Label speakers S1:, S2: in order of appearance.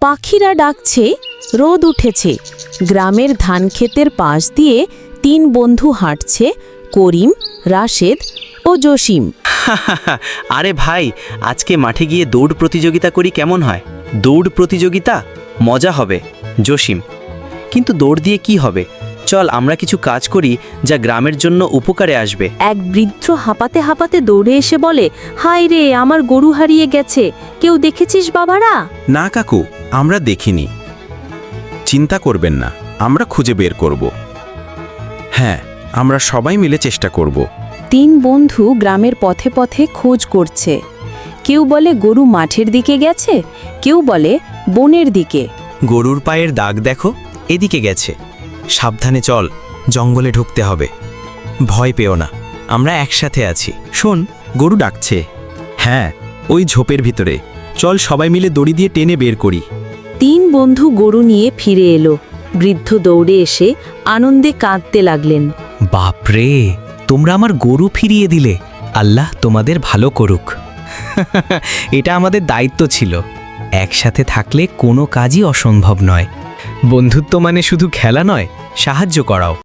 S1: পাখিরা ডাকছে, রোদ উঠেছে। গ্রামের ধানক্ষেতের পাশ দিয়ে 3 বন্ধু হাঁটছে, করিম, রাশেদ ও জসিম।
S2: আরে ভাই, আজকে মাঠে গিয়ে দৌড় প্রতিযোগিতা করি, কেমন হয়? দৌড় প্রতিযোগিতা মজা হবে জসিম, কিন্তু দৌড় দিয়ে কি হবে? চল আমরা কিছু কাজ করি যা গ্রামের জন্য উপকারে আসবে।
S1: এক বৃদ্ধ হাঁপাতে হাঁপাতে দৌড়ে এসে বলে, হায় রে, আমার গরু হারিয়ে গেছে, কেউ দেখেছিস বাবারা?
S3: না কাকু, আমরা দেখিনি। চিন্তা করবেন না, আমরা খুঁজে বের করব। হ্যাঁ, আমরা সবাই মিলে চেষ্টা করব।
S1: 3 বন্ধু গ্রামের পথে পথে খোঁজ করছে। কেউ বলে গরু মাঠের দিকে গেছে, কেউ বলে বনের দিকে।
S4: গরুর পায়ের দাগ দেখো, এদিকে গেছে। সাবধানে চল, জঙ্গলে ঢুকতে হবে। ভয় পেও না, আমরা একসাথে আছি।
S3: শোন, গরু ডাকছে। হ্যাঁ, ওই ঝোপের ভিতরে। চল সবাই মিলে দড়ি দিয়ে টেনে বের করি।
S1: 3 বন্ধু গরু নিয়ে ফিরে এলো। বৃদ্ধ দৌড়ে এসে আনন্দে কাঁদতে লাগলেন।
S5: বাপরে, তোমরা আমার গরু ফিরিয়ে দিলে, আল্লাহ তোমাদের ভালো করুক। এটা আমাদের দায়িত্ব ছিল। একসাথে থাকলে কোনো কাজই অসম্ভব নয়। বন্ধুত্ব মানে শুধু খেলা নয়, সাহায্য করাও।